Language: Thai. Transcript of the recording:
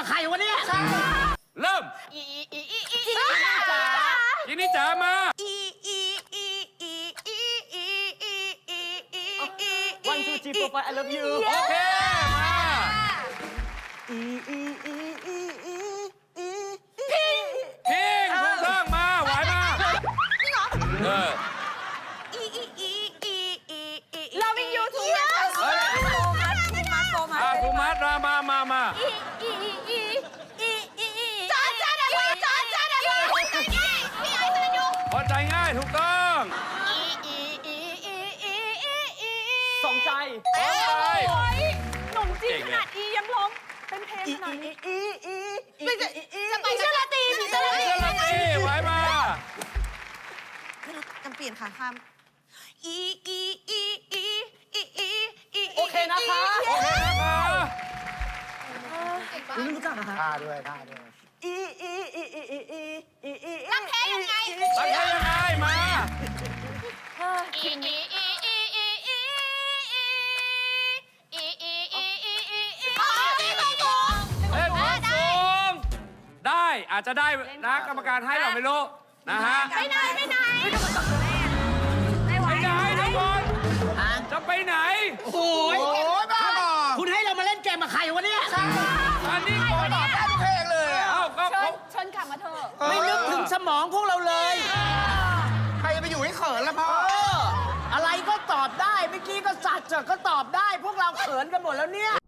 กับใครวะเนี่ยเริ่มจินนี่จ๋ามา One two three four five I love you โอเคมา พิงถูกต้องมาไหวมาเออ Loving you too ภูมัดมา พอใจง่ายถูกต้องสองใจพอใจหนุ่มจีนขนาดอียังร้องเป็นเพลงขนาดนี้จะไปเชื่อละตีผีเสื้อละตีเชื่อละตีไหวมาไม่รู้จำเปลี่ยนค่ะคำโอเคนะคะโอเคนะคะไม่รู้จักนะคะท่าด้วยรักแท้ยังไงรักแท้ยังไงมา เล่นบอลสูงได้อาจจะได้นะกรรมการให้เราไม่รู้นะฮะไปไหนไปไหนทุกคนจะไปไหนโอ้ยโอ้ยบ้าบอคุณให้เรามาเล่นเกมกับใครวะเนี่ยอันนี้ก่อนได้ทุกเพลงเลยอะเอ้าก็เชิญกลับมาเถอะไม่นึกถึงสมองพวกเราเลยใครจะไปอยู่ให้เขินละพ่ออะไรก็ตอบได้ เมื่อกี้ก็สัตว์ก็ตอบได้ พวกเราเขินกันหมดแล้วเนี่ย